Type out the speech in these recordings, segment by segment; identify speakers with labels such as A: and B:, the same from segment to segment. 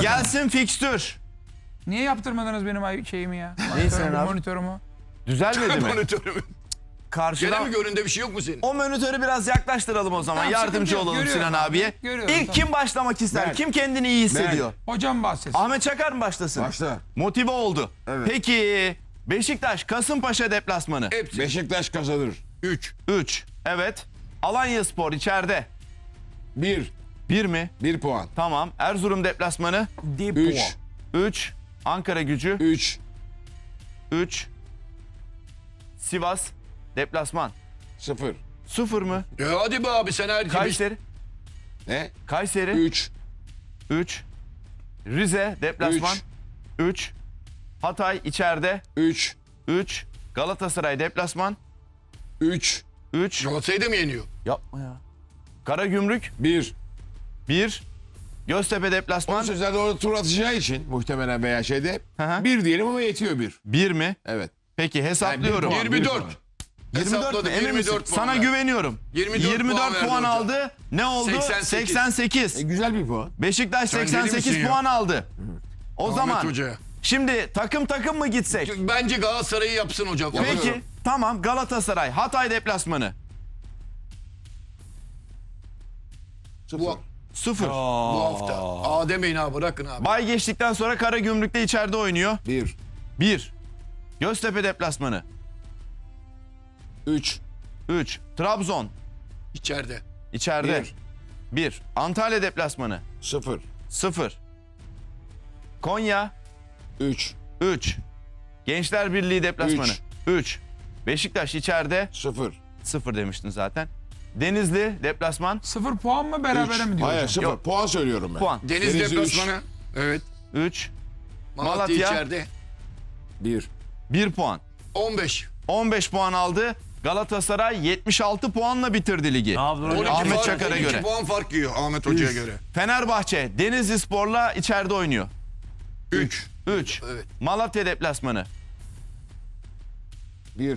A: bakalım.
B: Gelsin fikstür.
A: Niye yaptırmadınız benim şeyimi ya?
B: Senin abi?
A: Monitörümü.
B: Düzelmedi mi?
C: Monitörümü. Gene
B: Karşıdan...
C: mi göründe bir şey yok mu senin?
B: O monitörü biraz yaklaştıralım o zaman.
A: Tamam,
B: Yardımcı
A: sıkıntı yok.
B: olalım
A: Görüyorum
B: Sinan
A: abi.
B: abiye.
A: Görüyorum,
B: İlk
A: tamam.
B: kim başlamak ister?
D: Ben.
B: Kim kendini iyi hissediyor?
A: Hocam bahsetsin.
B: Ahmet Çakar mı başlasın?
D: Başla.
B: Motive oldu.
D: Evet.
B: Peki Beşiktaş Kasımpaşa deplasmanı.
C: Hepsi.
D: Beşiktaş kazanır.
C: 3.
B: 3. Evet. Alanyaspor içeride.
D: 1.
B: 1 mi?
D: 1 puan.
B: Tamam. Erzurum deplasmanı.
D: 3.
B: 3. Ankara Gücü.
D: 3.
B: 3. Sivas deplasman.
D: 0.
B: 0 mı?
C: Hadi be abi sen her gibi.
B: Kayseri.
D: Ne?
B: Kayseri.
D: 3.
B: 3. Rize deplasman. 3. Hatay içeride.
D: 3.
B: 3. Galatasaray deplasman.
D: 3.
B: 3.
C: Galatasaray'ı da mı yeniyor?
B: Yapma ya. Karagümrük
D: 1.
B: 1. Göztepe deplasman.
D: Sözlerde orada tur atacağı için muhtemelen veya şeyde
B: Hı hı.
D: 1 diyelim ama yetiyor 1.
B: 1 mi?
D: Evet.
B: Peki hesaplıyorum.
D: Yani bir puan.
C: 24.
B: 24 mi?
C: Hesapladım,
B: Emin
C: 24
B: misin?
C: puan
B: Sana
C: verdi.
B: güveniyorum.
C: 24 puan
B: puan
C: verdi
B: aldı. Ne oldu?
C: 88.
B: 88.
D: Güzel bir puan.
B: Beşiktaş
C: Sen deli
B: 88
C: misin ya?
B: puan aldı. O
C: Ahmet
B: zaman
C: Hoca'ya.
B: şimdi takım mı gitsek?
C: Bence Galatasaray'ı yapsın hocam.
B: Peki tamam, Galatasaray Hatay deplasmanı.
D: 0.
C: Bu,
B: 0.
C: bu hafta. Aa demeyin abi, bırakın abi.
B: Bay geçtikten sonra Karagümrük'te içeride oynuyor.
D: 1.
B: 1. Göztepe deplasmanı.
D: 3.
B: 3. Trabzon
C: İçeride.
B: içeride.
D: 1.
B: 1. Antalya deplasmanı.
D: 0.
B: 0. Konya
D: 3.
B: 3. Gençler Birliği deplasmanı. 3. Beşiktaş içeride.
D: 0.
B: 0 demiştin zaten. Denizli deplasman.
A: 0 puan mı berabere mi diyor
D: Hayır
A: hocam?
D: 0.
B: Yok.
D: Puan söylüyorum ben.
B: Puan.
C: Deniz
D: Denizli
C: deplasmanı. Evet.
B: 3.
C: Malatya,
B: Malatya.
C: içeride.
D: 1.
B: 1 puan.
C: 15.
B: 15 puan aldı. Galatasaray 76 puanla bitirdi ligi.
C: 12
B: Ahmet
C: fark,
B: Çakar'a
C: 12
B: göre.
C: puan fark yiyor Ahmet Hoca'ya göre.
B: Fenerbahçe Denizli Spor'la içeride oynuyor.
C: 3.
B: 3.
C: Evet.
B: Malatya deplasmanı.
D: 1.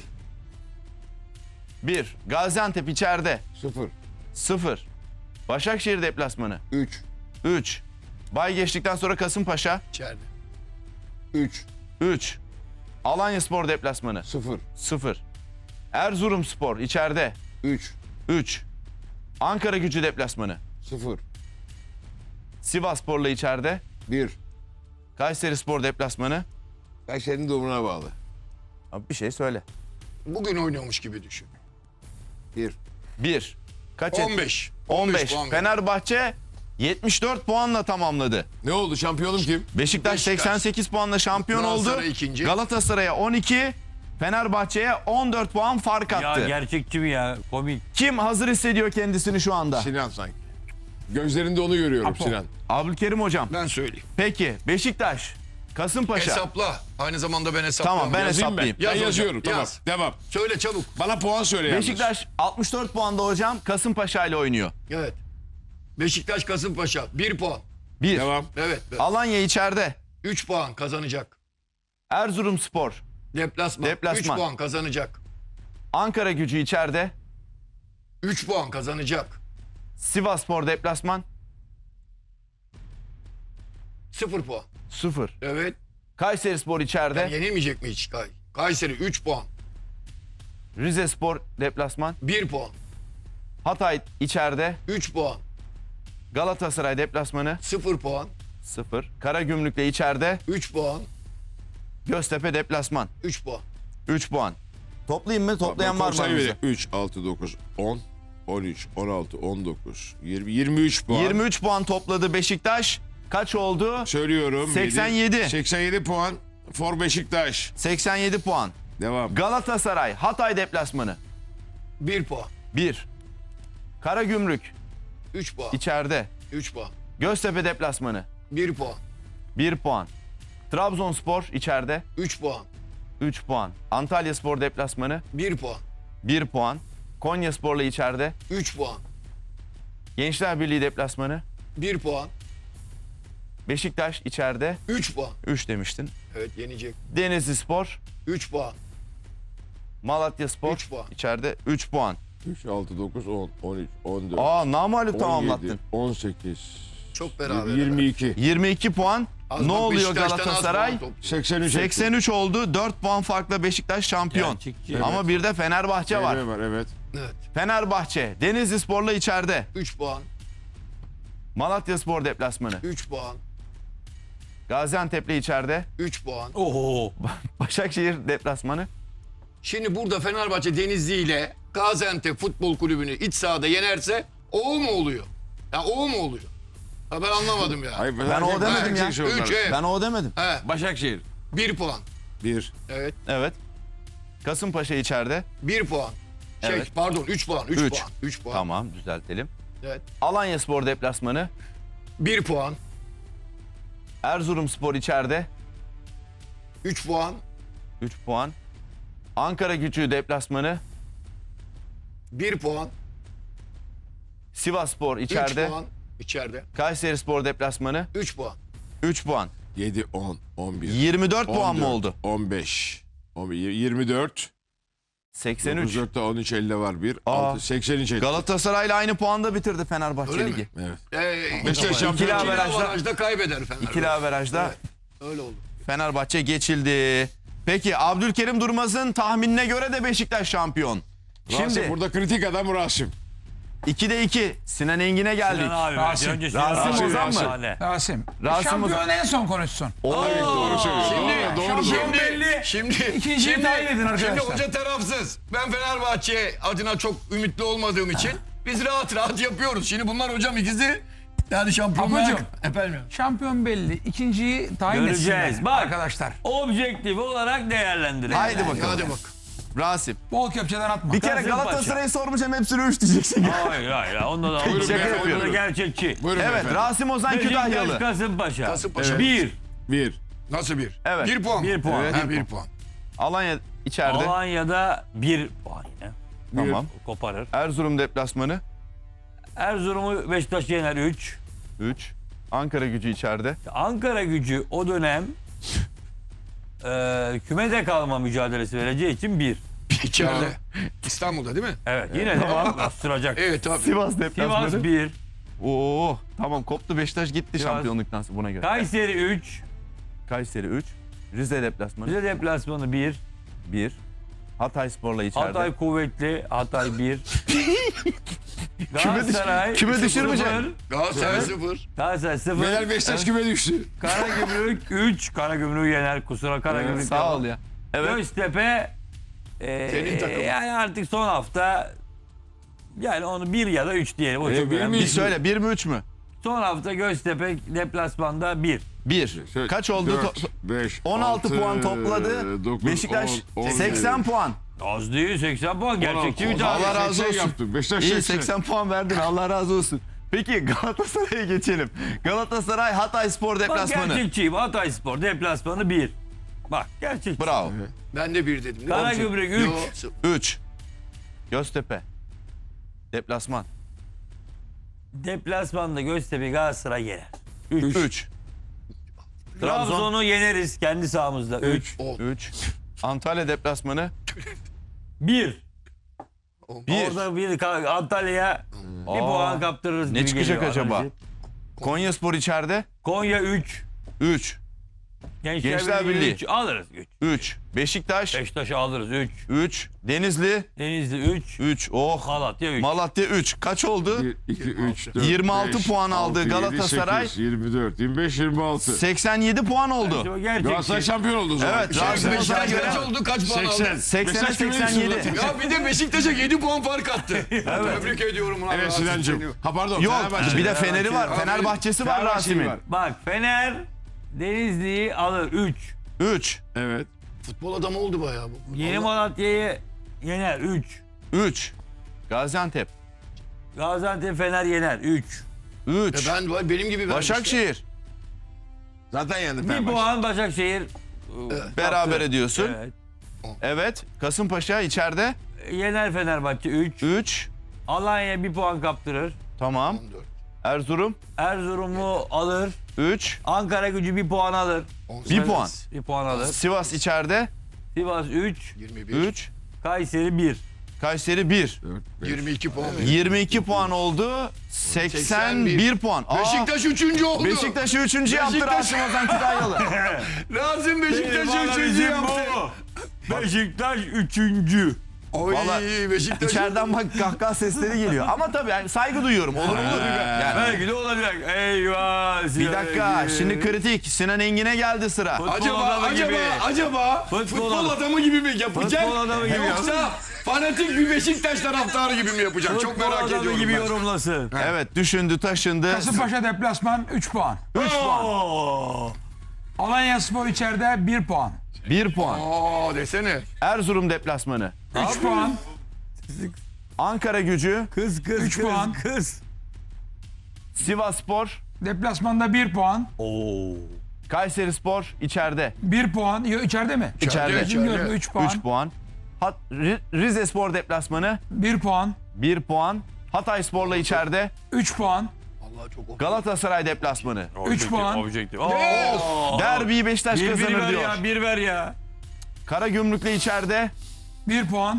B: 1. Gaziantep içeride.
D: 0.
B: 0. Başakşehir deplasmanı.
D: 3.
B: 3. Bay geçtikten sonra Kasımpaşa.
C: İçeride.
D: 3.
B: 3. Alanyaspor deplasmanı.
D: 0.
B: 0. Erzurumspor içeride.
D: 3.
B: 3. Ankara Gücü deplasmanı.
D: 0.
B: Sivasspor'la içeride.
D: 1.
B: Kayserispor deplasmanı.
D: Kayseri'nin durumuna bağlı.
B: Abi bir şey söyle.
C: Bugün oynuyormuş gibi düşün.
D: 1.
B: 1. Kaç etti?
C: 15.
B: 15.
C: puan verdi.
B: Fenerbahçe 74 puanla tamamladı.
D: Ne oldu? Şampiyonum kim?
B: Beşiktaş
C: Beşiktaş.
B: 88 puanla şampiyon oldu.
C: Galatasaray ikinci.
B: Galatasaray'a 12, Fenerbahçe'ye 14 puan fark
E: Ya
B: attı.
E: gerçekçi mi ya? Komik.
B: Kim hazır hissediyor kendisini şu anda?
D: Sinan sanki. Gözlerinde onu görüyorum
A: Apo.
D: Sinan.
B: Abdülkerim hocam.
C: Ben söyleyeyim.
B: Peki Beşiktaş, Kasımpaşa.
C: Hesapla. Aynı zamanda ben hesaplıyorum.
B: Tamam, ben
D: Yazayım ben.
B: hesaplayayım.
D: Ben
C: Yaz hocam,
D: yazıyorum. Tamam.
C: yaz.
D: Devam.
C: Söyle çabuk.
D: Bana puan söyle yalnız.
B: Beşiktaş 64 puanda hocam, Kasımpaşa ile oynuyor.
C: Evet. Beşiktaş Kasımpaşa 1 puan.
B: 1.
D: Devam.
C: Evet.
B: Alanya içeride.
C: 3 puan kazanacak.
B: Erzurumspor,
C: Deplasman. 3
B: Deplasman.
C: puan kazanacak.
B: Ankara Gücü içeride.
C: 3 puan kazanacak.
B: Sivasspor deplasman
C: 0 puan.
B: 0.
C: Evet.
B: Kayserispor içeride.
C: Yenilmeyecek mi hiç Kayseri 3 puan.
B: Rizespor deplasman.
C: 1 puan.
B: Hatay içeride.
C: 3 puan.
B: Galatasaray deplasmanı
C: 0 puan.
B: 0. Karagümrük'le içeride.
C: 3 puan.
B: Göztepe deplasman
C: 3 puan.
B: 3 puan. Toplayayım mı? Toplayan var mı aramızda?
D: 3, 6, 9, 10, 13, 16, 19, 20, 23 puan.
B: 23 puan topladı Beşiktaş. Kaç oldu?
D: Söylüyorum.
B: 87.
D: 87 puan. For Beşiktaş.
B: 87 puan.
D: Devam.
B: Galatasaray Hatay deplasmanı
C: 1 puan.
B: 1. Karagümrük
C: 3 puan.
B: içeride.
C: 3 puan.
B: Göztepe deplasmanı
C: 1 puan.
B: 1 puan. Trabzonspor içeride
C: 3 puan.
B: 3 puan. Antalyaspor deplasmanı
C: 1 puan.
B: 1 puan. Konyaspor'la içeride.
C: 3 puan.
B: Gençler Birliği deplasmanı
C: 1 puan.
B: Beşiktaş içeride
C: 3 puan.
B: 3 demiştin.
C: Evet yenecek.
B: Denizlispor,
C: 3 puan.
B: Malatyaspor
C: 3 puan.
B: içeride 3 puan.
D: 3, 6, 9, 10, 13, 14,
B: Aa, namağlup
D: 17,
B: tamamlattın.
D: 18,
C: Çok beraber.
D: 22.
B: 22 puan.
C: Az
B: Ne
C: bak,
B: oluyor
C: Beşiktaş'tan az
B: Galatasaray?
C: puan topluyor.
D: 83.
B: 83 oldu. 4 puan farkla Beşiktaş şampiyon.
E: Gerçekçi.
B: Ama bir de Fenerbahçe var.
D: var evet.
C: Evet.
B: Fenerbahçe Denizlispor'la içeride.
C: 3 puan.
B: Malatyaspor deplasmanı.
C: 3 puan.
B: Gaziantep'le içeride.
C: 3 puan.
E: Oho.
B: Başakşehir deplasmanı.
C: Şimdi burada Fenerbahçe Denizli ile Gaziantep Futbol Kulübü'nü iç sahada yenerse o mu oluyor? Ya o mu oluyor? Ha ben anlamadım ya.
D: Hayır,
B: Ben o demedim ya.
C: 3 evet.
B: Ben o demedim.
C: He,
E: Başakşehir.
C: 1 puan.
D: 1.
C: Evet.
B: Evet. Kasımpaşa içeride.
C: 1 puan.
B: Evet.
C: Pardon 3 puan. 3
B: Üç.
C: puan. 3 puan.
B: Tamam, düzeltelim.
C: Evet.
B: Alanyaspor deplasmanı.
C: 1 puan.
B: Erzurumspor içeride.
C: 3 puan.
B: 3 puan. Ankara-Gücü deplasmanı.
C: 1 puan.
B: Sivasspor
C: 3
B: içeride.
C: puan. İçeride.
B: Kayserispor deplasmanı.
C: 3 puan.
B: 3 puan.
D: 7, 10, 11.
B: 24 puan mı oldu?
D: 15. 24.
B: 83.
D: 9, 13, 50 var 1.
B: Aa.
D: 6, 83 etti.
B: Galatasaray'la aynı puanda bitirdi Fenerbahçe
C: Öyle mi?
B: Ligi.
D: Evet.
C: Beşiktaş
B: İkili
C: şampiyon. İkili
B: averajda-
C: averajda kaybeder Fenerbahçe.
B: İkili averajda
C: Evet. Öyle oldu.
B: Fenerbahçe geçildi. Peki Abdülkerim Durmaz'ın tahminine göre de Beşiktaş şampiyon.
D: Şimdi
B: Şimdi
D: burada kritik adam Rasim.
B: 2'de 2. Sinan Engin'e geldik.
E: Sinan abi.
A: Rasim.
E: Önce
B: Rasim
E: Sinan abi.
B: Ozan mı?
E: Efsane.
A: Rasim.
B: Rasim
A: Şampiyon en son konuşsun.
D: Doğru söylüyorsun.
C: Şimdi,
D: Doğru,
A: şampiyon
D: doğru.
A: belli.
C: Şimdi,
A: İkinciyi tayin edin arkadaşlar.
C: Şimdi hoca tarafsız. Ben Fenerbahçe adına çok ümitli olmadığım için biz rahat rahat yapıyoruz. Şimdi bunlar hocam ikisi yani şampiyonluğa...
A: Ablacığım.
C: Efendim.
A: Şampiyon belli. İkinciyi tayin
E: Göreceğiz.
A: etsinler
E: Bak.
A: arkadaşlar.
E: Objektif olarak değerlendirelim.
B: Haydi bakalım.
C: Hadi bak.
B: Rasim.
A: Bol köpçeden atma.
B: Bir kere
E: Kasımpaşa.
B: Galatasaray'ı sormayacağım hepsine 3 diyeceksin.
E: Hayır hayır. Onda da
D: Buyurun
E: şaka
D: beyefendi,
E: yapıyor.
D: buyurun.
E: Gerçekçi.
D: Buyurun
B: Evet
D: efendim.
B: Rasim Ozan
E: Beşiktaş
B: Kütahyalı.
E: Kasımpaşa.
C: Kasımpaşa.
E: 1.
D: 1.
C: Nasıl bir?
B: Evet.
C: 1 puan.
E: 1 puan.
C: Evet, 1 puan.
B: Alanya içeride.
E: Alanya'da 1 puan yine.
B: Tamam.
E: Koparır.
B: Erzurum deplasmanı.
E: Erzurum'u Beşiktaş yener 3.
B: 3. Ankara Gücü içeride.
E: Ankara Gücü o dönem kümede kalma mücadelesi vereceği için 1.
C: İçeride. İstanbul'da değil mi?
E: Evet yine de bastıracak.
C: Evet tabii.
B: Sivas deplasmanı.
E: Sivas 1.
B: Oo, tamam koptu Beşiktaş gitti
E: Sivas.
B: şampiyonluktan sonra buna göre.
E: Kayseri 3.
B: Kayseri 3. Rize deplasmanı
E: Rize deplasmanı 1.
B: 1. Hatayspor'la içeride.
E: Hatay kuvvetli. Hatay 1. Galatasaray
B: küme düşürmeyecek.
E: 0.
C: Galatasaray 0.
E: Galatasaray 0.
D: Neler Beşiktaş küme düştü.
E: Karagümrük 3. Karagümrük'ü yener. Kusura Karagümrük.
B: Sağ ol ya. Evet.
E: Göztepe
C: Senin takımın.
E: yani artık son hafta yani onu 1 ya da 3 diyelim. O çok
D: bir
E: önemli.
B: Bir söyle 1 mi 3 mü?
E: Son hafta Göztepe deplasmanda 1.
B: 1. Kaç oldu?
D: 5,
B: 16 puan topladı. Beşiktaş 80 puan.
E: Az değil 80 puan. Gerçekçi bir
B: Allah
E: tane.
B: razı olsun.
D: Yaptım. Beşiktaş
B: İyi
D: 80.
B: 80 puan verdin Allah razı olsun. Peki Galatasaray'a geçelim. Galatasaray Hatayspor
E: Bak
B: deplasmanı.
E: gerçekçiyim. Hatayspor deplasmanı 1. Bak gerçekçi.
B: Bravo.
C: Ben de 1 dedim. değil mi?
E: Karagümrük
C: Yo,
E: 3.
B: 3. Göztepe. Deplasman.
E: Deplasmanda Göztepe Galatasaray yener.
B: 3. Trabzon.
E: Trabzon'u yeneriz kendi sahamızda. 3.
B: 3. Antalya deplasmanı.
E: 1.
B: 1.
E: Orada bir Antalya'ya bir
B: Aa,
E: puan kaptırırız
B: ne
E: gibi
B: çıkacak
E: geliyor
B: acaba?
E: analiz.
B: Konyaspor içeride.
E: Konya 3.
B: 3. Gençler Birliği.
E: 3 alırız. 3.
B: 3. Beşiktaş.
E: Beşiktaş'ı alırız 3.
B: 3. Denizli.
E: Denizli 3.
B: 3. Oh.
E: Malatya 3.
B: Malatya 3. Kaç oldu?
D: 1, 2, 3, 4,
B: 26 puan aldı Galatasaray.
D: 24, 25, 26.
B: 87 puan oldu.
D: Galatasaray
E: Gerçekçi.
D: şampiyon oldu o zaman.
B: Evet, Rasim
C: Beşiktaş
B: Ozan'a göre
C: kaç oldu? Kaç puan aldı?
D: 80.
B: 80'e
D: Beşiktaş küme düştü
B: 87.
D: zaten.
C: Ya bir de Beşiktaş'a 7 puan fark attı. Tebrik ediyorum. Ulan
D: Evet
C: Rasim
D: Sinancığım.
C: seni.
D: Ha pardon.
B: Yok
D: Fenerbahçe.
B: bir de Fener'i var.
C: Fenerbahçe.
B: Fenerbahçe'si var
D: Fenerbahçe'yi
B: Rasim'in.
D: var.
E: Bak Fener Denizli'yi alır 3.
B: 3.
D: Evet.
C: Futbol adamı oldu bayağı bu.
E: Yeni
C: Allah-
E: Malatya'yı yener 3.
B: 3. Gaziantep.
E: Gaziantep Fener yener 3.
B: 3.
C: Benim gibi vermiş.
B: Başakşehir.
D: Zaten yendi
E: 1
D: Fenerbahçe.
E: puan Başakşehir.
B: Beraber ediyorsun.
E: Evet.
B: Evet. Kasımpaşa içeride.
E: Yener Fenerbahçe 3.
B: 3.
E: Alanya 1 puan kaptırır.
B: Tamam.
C: 14,
B: Erzurum.
E: Erzurum'u alır.
B: 3.
E: Ankara Gücü 1 puan alır.
C: 18,
B: 1 puan.
E: 1 puan alır.
B: Sivas içeride.
E: Sivas 3.
C: 21,
B: 3.
E: Kayseri 1.
B: Kayseri 1.
C: 22 puan.
B: 22 puan oldu. 81 puan. Aa,
C: Beşiktaş 3. oldu.
B: Beşiktaş'ı 3. yaptı
C: Beşiktaş-
B: Rasim Ozan Kütahyalı.
C: Rasim Beşiktaş'ı
E: Bana
C: 3.
E: bizim
C: yaptı.
E: bu. Beşiktaş 3.
C: Oy
B: Vallahi
C: Beşiktaş.
B: İçeriden bak kahkaha sesleri geliyor. Ama tabii yani saygı duyuyorum. Olur olur. Yani.
E: Belki de olacak. Eyvah.
B: Bir dakika şimdi kritik. Sinan Engin'e geldi sıra.
C: Acaba futbol adamı gibi mi yapacak?
E: Futbol adamı gibi
C: Yoksa fanatik bir Beşiktaş taraftarı gibi mi yapacak? Çok merak ediyorum
E: gibi
C: ben.
E: yorumlasın.
B: Evet düşündü taşındı.
A: Kasımpaşa deplasman 3 puan.
B: 3 puan.
A: Alanyaspor içeride 1 puan.
B: 1 puan.
C: Aa desene.
B: Erzurum deplasmanı.
A: 3 puan.
B: Ankara Gücü.
E: Kız
A: 3 puan.
E: kız.
B: Sivasspor.
A: Deplasmanda 1 puan.
E: Oo.
B: Kayserispor içeride.
A: 1 puan. Yok içeride mi?
B: İçeride.
A: Bilmiyorum 3 puan.
B: 3 puan. Rizespor deplasmanı
A: 1 puan.
B: 1 puan. Hatayspor'la içeride.
A: 3 puan.
C: Allah çok
B: Galatasaray deplasmanı.
A: 3 puan.
E: Objektif.
B: Derbiyi Beşiktaş
E: Bir
B: kazanır
E: ver
B: diyor.
E: ya, bir ver ya.
B: Karagümrük'le içeride.
A: 1 puan.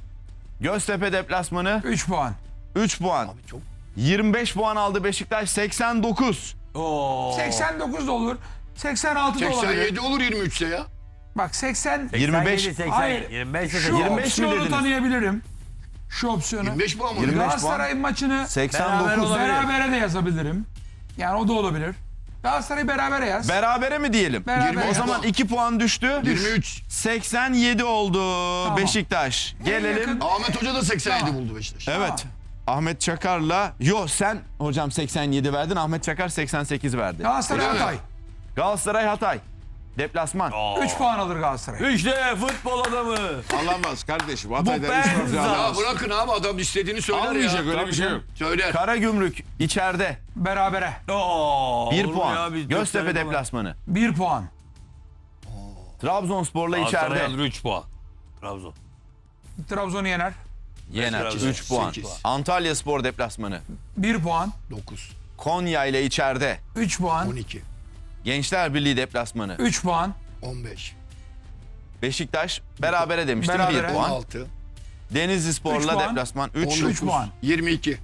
B: Göztepe deplasmanı
A: 3 puan.
B: 3 puan.
C: çok.
B: 25 puan aldı Beşiktaş 89.
E: Oo.
A: 89 da olur. 86 da olabilir.
C: 87 olur 23'te ya.
A: Bak 80.
B: 25.
E: 80,
A: Hayır.
E: 25,
A: Şu
B: 25 mi
A: opsiyonu
B: dediniz?
A: tanıyabilirim. Şu opsiyonu.
C: 25 puan mı?
B: 25
A: Galatasaray'ın maçını
B: 89.
A: berabere de yazabilirim. Yani o da olabilir. Galatasaray berabere yaz.
B: Berabere mi diyelim?
A: Berabere
B: O
A: yaz.
B: zaman 2 puan düştü.
C: 23.
B: 87 oldu Beşiktaş. Gelelim.
A: yakın-
C: Ahmet Hoca da 87 buldu Beşiktaş.
B: Evet. Ahmet Çakar'la sen hocam 87 verdin. Ahmet Çakar 88 verdi.
A: Galatasaray
C: Öyle mi?
A: Hatay.
B: Galatasaray Hatay. Deplasman.
A: 3 puan alır Galatasaray.
E: İşte futbol adamı.
D: Alamaz kardeşim.
E: Bu
D: Hatay'dan 3 puan
E: Benza.
C: Ya
D: alamaz.
C: bırakın abi adam istediğini söyler ya.
D: Almayacak öyle bir şey yok.
C: Söyler.
B: Karagümrük içeride.
A: Berabere.
E: Oo,
B: 1
E: olur mu
B: puan.
E: ya? Biz
B: Göztepe
E: dört tane falan.
B: deplasmanı.
A: 1 puan.
B: Trabzonspor'la
E: Galatasaray
B: içeride.
E: alır 3 puan. Trabzon.
A: Trabzon'u yener.
B: Yener.
E: Trabzon.
B: 3 puan.
C: 8.
B: Antalyaspor deplasmanı.
A: 1 puan.
C: 9.
B: Konya ile içeride.
A: 3 puan.
C: 12.
B: Gençler Birliği deplasmanı.
A: 3 puan.
C: 15.
B: Beşiktaş berabere demiştim.
A: Berabere.
B: 1 puan.
C: 16.
B: Denizli
A: Üç
B: Spor'la
A: puan.
B: deplasman 3.
C: 19.
A: 3 puan.
C: 22.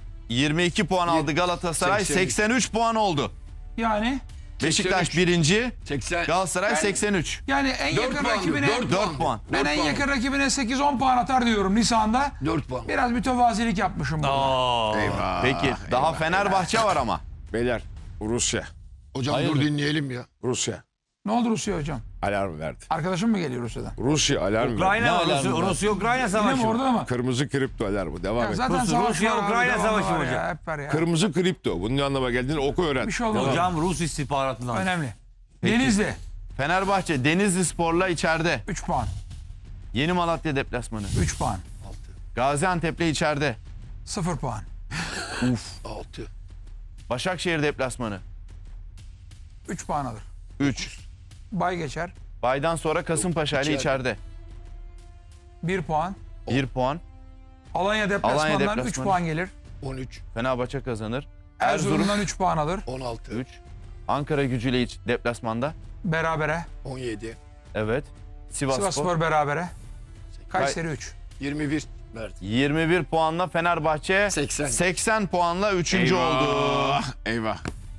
B: 22 puan aldı Galatasaray.
C: 83.
B: 83 puan oldu.
A: Yani
B: Beşiktaş 1.
C: 80.
B: Galatasaray
A: Ben-
B: 83.
A: yani en
C: 4
A: yakın
C: puan.
A: rakibine
B: 4 puan.
A: ben en yakın rakibine 8-10 puan atar diyorum Nisan'da.
C: 4 puan.
A: Biraz mütevazilik yapmışım burada.
E: Aa.
D: Eyvah.
B: Peki daha
D: eyvah,
B: Fenerbahçe var ama.
D: Beyler Rusya.
C: Hocam dur
B: Hayırdır?
C: dinleyelim ya.
D: Rusya.
A: Ne oldu Rusya hocam?
D: Alarm verdi.
A: Arkadaşım mı geliyor Rusya'dan?
D: Rusya alarm verdi.
E: Ukrayna mı?
B: alarmı var?
E: Rusya-Ukrayna
A: Yine
E: savaşı
A: mi
E: mı?
A: orada mı?
D: Kırmızı kripto alarmı. Devam
A: Ya
D: et.
A: zaten
E: Rusya-
A: savaş var abi,
E: Ukrayna
A: devamlı
E: savaşı
A: var
E: mı
A: ya,
E: hocam?
A: hep var ya.
D: Kırmızı kripto. Bunun ne anlama geldiğini oku öğren.
A: Bir şey olmaz.
E: Hocam Rus istihbaratından.
A: Önemli.
B: Peki.
A: Denizli
B: Fenerbahçe Denizli Spor'la içeride.
A: 3 puan.
B: Yeni Malatya deplasmanı.
A: 3 puan.
B: Gaziantep'le içeride.
A: 0 puan.
C: 6.
B: Başakşehir deplasmanı.
A: 3 puan alır.
B: 3.
A: Bay geçer.
B: Baydan sonra Kasımpaşa ile içeride.
A: 1 puan.
B: 1 puan.
A: Alanya deplasmandan 3
B: deplasmanı.
A: puan gelir.
C: 13.
B: Fenerbahçe kazanır. Erzurum
A: Erzurum'dan 3 puan alır.
C: 16.
B: 3. Ankara Gücü'yle deplasmanda.
A: Berabere.
C: 17.
B: Evet. Sivasspor.
A: Sivasspor berabere. Kayseri 3.
C: 21. Verdi.
B: 21 puanla Fenerbahçe
C: 80.
B: 80 puanla 3. oldu.
D: Eyvah.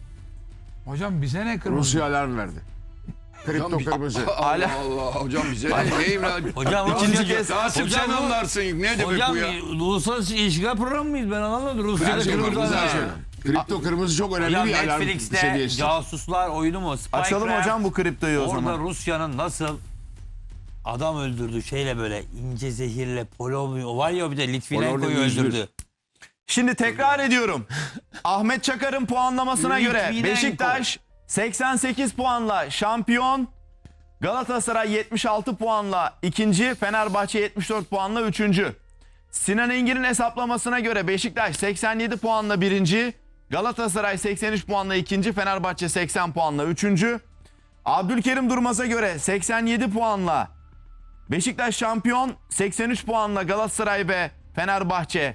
A: Hocam bize ne kırmızı?
D: Rusya alarm verdi. Kripto kırmızı.
C: Allah Allah. Hocam bize ne? Neyim lan?
E: Hocam
B: İkinci
E: Rusya-
B: kez.
C: Rasim
E: Hocam
C: sen
E: bu-
C: anlarsın. Ne demek
E: Hocam
C: bu ya?
E: uluslararası ilişkiler programı mıyız? Ben anlamadım. Rusya'da
C: Ben
E: kırmızı
C: kırmızı
E: alarm.
C: alarm.
D: Kripto kırmızı çok önemli
E: Hocam
D: bir alarm
E: Netflix'te
D: seviyesi.
E: casuslar oyunu mu? Spycraft.
B: Açalım hocam bu kriptoyu o
E: Orada
B: zaman.
E: Rusya'nın nasıl adam öldürdü şeyle böyle ince zehirle polonyo var ya bir de Litvinenko'yu
D: Polonyo 101.
E: öldürdü.
B: Şimdi tekrar ediyorum. Ahmet Çakar'ın puanlamasına göre
E: Litvinenko.
B: Beşiktaş 88 puanla şampiyon. Galatasaray 76 puanla ikinci. Fenerbahçe 74 puanla üçüncü. Sinan Engin'in hesaplamasına göre Beşiktaş 87 puanla birinci. Galatasaray 83 puanla ikinci. Fenerbahçe 80 puanla üçüncü. Abdülkerim Durmaz'a göre 87 puanla Beşiktaş şampiyon. 83 puanla Galatasaray ve Fenerbahçe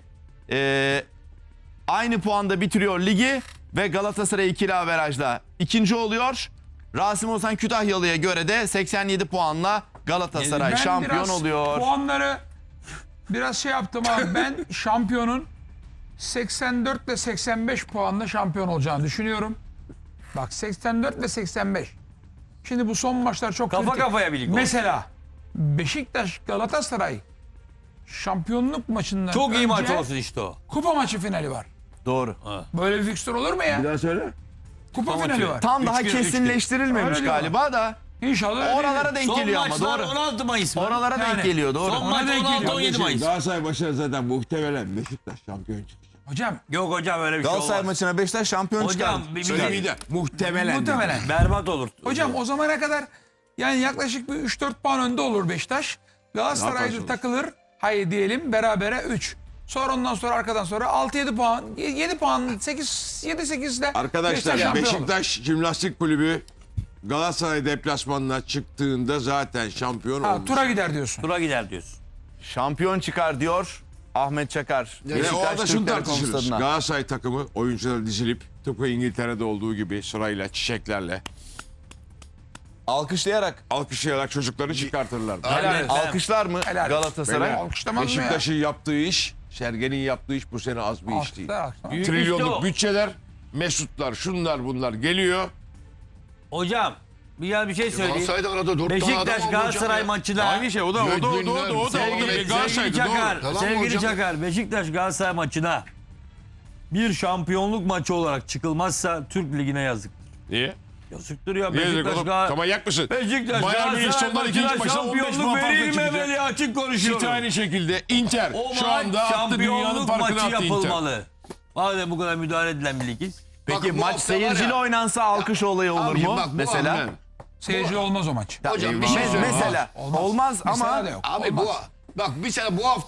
B: aynı puanda bitiriyor ligi ve Galatasaray ikili averajla ikinci oluyor. Rasim Ozan Kütahyalı'ya göre de 87 puanla Galatasaray
A: Ben
B: şampiyon
A: biraz
B: oluyor.
A: puanları Biraz şey yaptım abi. Ben şampiyonun 84 ile 85 puanla şampiyon olacağını düşünüyorum. Bak 84 ve 85. Şimdi bu son maçlar çok
E: Kafa
A: kritik.
E: kafaya birlik olsun.
A: Mesela Beşiktaş Galatasaray şampiyonluk maçından
E: Çok iyi maç
A: önce
E: olsun işte o.
A: kupa maçı finali var.
B: Doğru.
A: Böyle bir fikstür olur mu ya?
D: Bir daha söyle.
A: Kupa finali var.
B: Tam daha
E: Üç gün, üç gün.
B: kesinleştirilmemiş
A: Öyle diyorlar.
B: galiba da.
A: İnşallah öyle
B: Oralara
A: değildir.
B: denk
E: Son
B: geliyor ama
E: maçlar
B: doğru.
E: 16 Mayıs mı?
B: Oralara denk
A: Yani.
B: geliyor doğru.
E: Son maç
A: denk
E: 16-17 Mayıs.
D: Galatasaray maçına zaten muhtemelen Beşiktaş şampiyon çıkacak.
A: Hocam
E: Yok hocam öyle bir şey
B: Galatasaray
E: olmaz.
B: maçına Beşiktaş şampiyon çıkar.
E: Hocam bir
D: Söylemeyi de muhtemelen.
A: muhtemelen.
E: berbat olur.
A: Hocam o zamana kadar yani yaklaşık bir 3-4 puan önde olur Beşiktaş. Galatasaray'da
D: yaparsınız?
A: takılır. Hayır diyelim berabere 3. Sonra ondan sonra arkadan sonra 6-7 puan, 7 puan, 7-8'de
D: Arkadaşlar
A: şampiyon olur.
D: Beşiktaş Jimnastik Kulübü Galatasaray deplasmanına çıktığında zaten şampiyon
A: Ha,
D: olmuş.
A: tura gider diyorsun.
E: Tura gider diyorsun.
B: Şampiyon çıkar diyor Ahmet Çakar.
D: Ve
B: Beşiktaş
D: orada şunu
B: Türk Telekom
D: tartışırız.
B: stadına.
D: Galatasaray takımı oyuncuları dizilip tıpkı İngiltere'de olduğu gibi sırayla çiçeklerle
B: Alkışlayarak.
D: alkışlayarak çocukları çıkartırlar.
E: Helal.
B: Alkışlar mı
A: Helal.
B: Galatasaray?
D: Beyler,
A: Alkışlamaz mı ya?
D: Beşiktaş'ın yaptığı iş, Sergen'in yaptığı iş bu sene az bir iş değil.
A: Alkışlar.
E: Büyük işte
D: Trilyonluk
E: o.
D: bütçeler, Mesutlar, şunlar bunlar geliyor.
E: Hocam bir şey söyleyeyim.
C: Galatasaray'da arada 4 tane adam
E: Beşiktaş
C: oldu
E: Galatasaray
C: hocam ya.
E: maçına
D: Aynı şey o da
E: sevgili
D: Galatasaray'da
E: Çakar,
D: doğru.
C: Yalan mı
E: sevgili
C: hocam?
E: Çakar, Beşiktaş Galatasaray maçına bir şampiyonluk maçı olarak çıkılmazsa Türk Ligi'ne yazık.
D: Niye?
E: Yazıktır ya
D: Niye dedik
E: Beşiktaş
D: oğlum?
E: Galatasaray.
D: Manyak mısın?
E: Beşiktaş
D: Bayern Münih
E: Galatasaray
D: sonlar ikinci
E: maçına
D: maçta 15
E: şampiyonluk
D: puan farkla
E: verilmemeli
D: çıkacak.
E: açık konuşuyorum.
D: City aynı şekilde Inter
E: O
D: şu
E: maç
D: anda attı dünyanın
E: şampiyonluk
D: farkını
E: maçı
D: attı Inter.
E: yapılmalı. Madem bu kadar müdahale edilen bir ligiz.
B: Peki
C: Bak, bu
B: maç
C: hafta var
B: seyirciyle
C: ya-
B: oynansa alkış olayı olur
C: Abiciğim
B: mu?
C: bak, bu
B: Mesela.
C: hafta-
A: Seyirci olmaz o maç.
C: Hocam bir şey söyleyeyim.
B: Mesela. Olmaz
A: Mesela
B: ama
A: da yok.
C: Abi
A: Olmaz.
C: bak mesela bu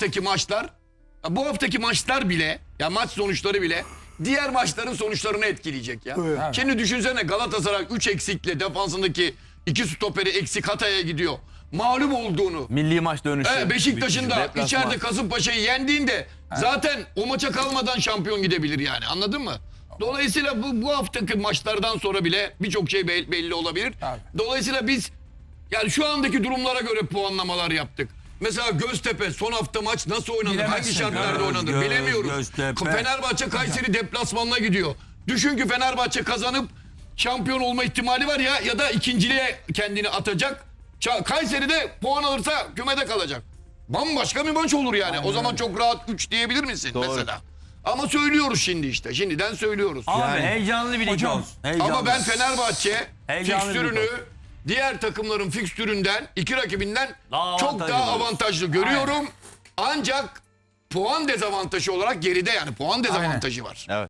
C: haftaki maçlar bile ya maç sonuçları bile diğer maçların sonuçlarını etkileyecek ya.
A: Evet.
C: Şimdi düşünsene Galatasaray 3 eksikle defansındaki 2 stoperi eksik Hatay'a gidiyor. Mağlup olduğunu.
B: milli maç dönüşü.
C: Beşiktaş'ın da
B: Deplasman.
C: içeride Kasımpaşa'yı yendiğinde zaten o maça kalmadan şampiyon gidebilir yani. Anladın mı? Dolayısıyla bu haftaki maçlardan sonra bile birçok şey belli olabilir.
A: Tabii.
C: Dolayısıyla biz yani şu andaki durumlara göre puanlamalar yaptık. Mesela Göztepe son hafta maç nasıl oynanır?
A: Bilemezsin.
C: Hangi şartlarda oynanır?
E: Göz-
C: Bilemiyoruz.
E: Göztepe.
C: Fenerbahçe Kayseri deplasmanına gidiyor. Düşün ki Fenerbahçe kazanıp şampiyon olma ihtimali var ya da ikinciliğe kendini atacak. Kayseri'de puan alırsa kümede kalacak. Bambaşka bir maç olur yani. O zaman çok rahat 3 diyebilir misin mesela? Ama söylüyoruz şimdi işte. Şimdiden söylüyoruz.
E: Abi heyecanlı bir lig
A: Hocam,
E: olsun. Heyecanlı.
C: Ama ben Fenerbahçe
E: Heyecanlı bir
C: fikstürünü
E: maç.
C: diğer takımların fikstüründen, iki rakibinden
E: Daha
C: çok
E: avantajlı
C: daha
E: görüyoruz.
C: avantajlı görüyorum. Ancak puan dezavantajı olarak geride yani puan dezavantajı var.
B: Evet.